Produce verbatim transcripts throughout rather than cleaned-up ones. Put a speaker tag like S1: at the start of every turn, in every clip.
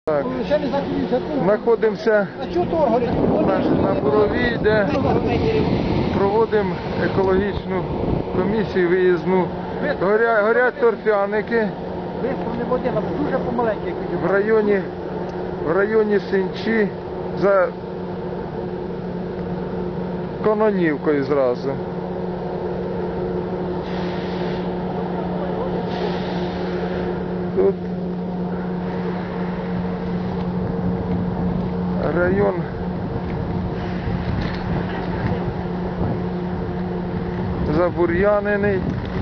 S1: Так, знаходимося на, на Буровій, де проводимо екологічну комісію виїзну. Горя, горять торфяники в районі, в районі Синчі за Кононівкою зразу. Тут район забур'янений.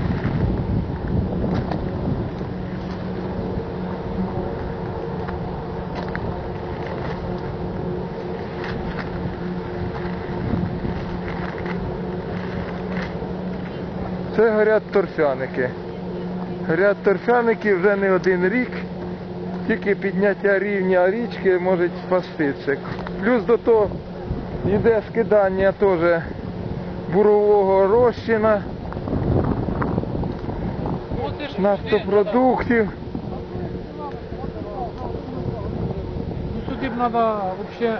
S1: Це горять торфяники. Горять торфяники вже не один рік. Тільки підняття рівня річки може спасти це. Плюс до того йде скидання теж бурового розчина, нафтопродуктів.
S2: Ну сюди б треба взагалі...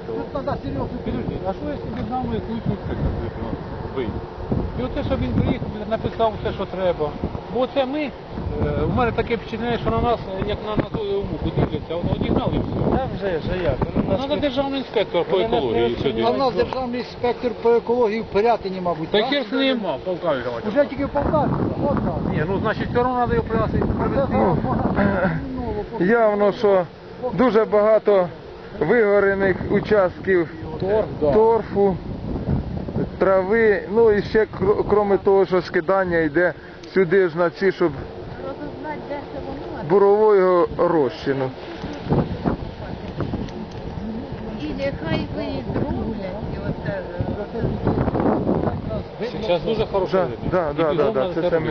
S2: А що якщо б нам якусь вийти? І оце, щоб він приїхав, написав все, що треба. Бо це ми, у мене таке впечатлення, що на нас, як на назову муку дивляться, воно одігнали і все.
S3: Та вже, вже як.
S2: Треба державний інспектор по екології сюди.
S3: А в нас державний інспектор по екології в Пирятині, мабуть.
S2: Так я з ним. Полтаві.
S3: Уже тільки в Полтаві.
S2: Ні, ну значить все одно треба його привезти.
S1: Явно, що дуже багато вигорених участків торфу, трави, ну і ще крім того, що скидання йде сюди ж на ці, щоб бурового розчину.
S4: І нехай ви їх зроблять.
S2: Зараз дуже хорошо.
S1: Так, так, так, це саме.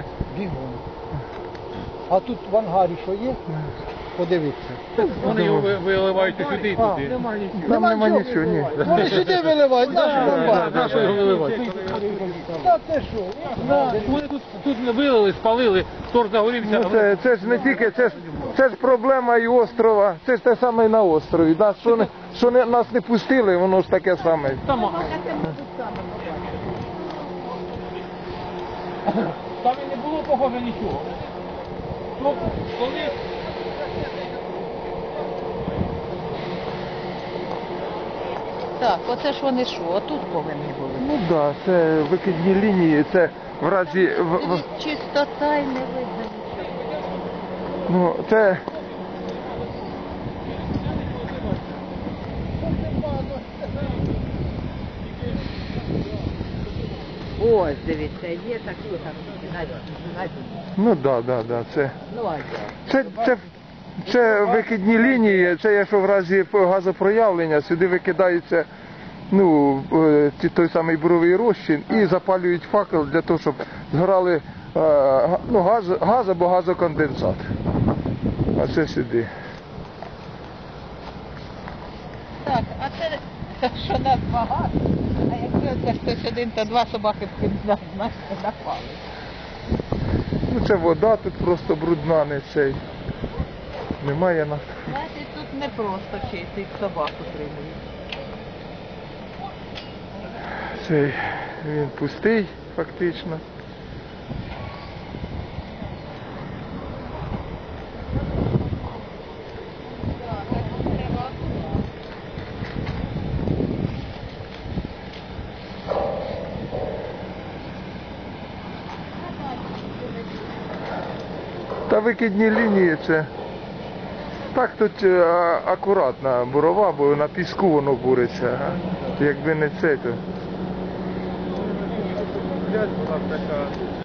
S3: А тут в ангарі що є? Подивіться.
S2: Вони його виливають сюди і туди.
S1: Там нема нічого, ні.
S3: Вони сюди виливають,
S2: На що його виливати?
S3: Та це що?
S2: Вони тут, тут вилили, спалили, торф загорівся.
S1: Ну, це, це ж не тільки, це ж, це ж проблема і острова, це ж те саме і на острові. Нас, що не, що не, нас не пустили, воно ж таке саме.
S2: Там, там і не було похоже нічого. Тобто, коли...
S4: Так, оце ж вони що, отут повинні були.
S1: Ну так, да, це викидні лінії, це в разі... В, в,
S4: Чистота і не видно нічого.
S1: ну, це...
S4: Ось, дивіться, є такі там,
S1: Ну так, да, так, да, да, це...
S4: ну а як?
S1: Це, це, це викидні лінії, це якщо в разі газопроявлення, сюди викидається ну, е, ті- той самий буровий розчин і запалюють факел для того, щоб згорали е, га- ну, газ, газ або газоконденсат. А це сюди.
S4: Так, а це, що нас багато, а якщо це хтось один, то два собаки б нас, знаєш, напали.
S1: Ну це вода тут просто брудна, не цей. Немає на...
S4: Значить, тут не просто чистить собаку тримають.
S1: Цей, він пустий фактично. Та викидні лінії це... Так тут е, а- акуратна бурова, бо на піску воно буриться. А? Якби не це, то...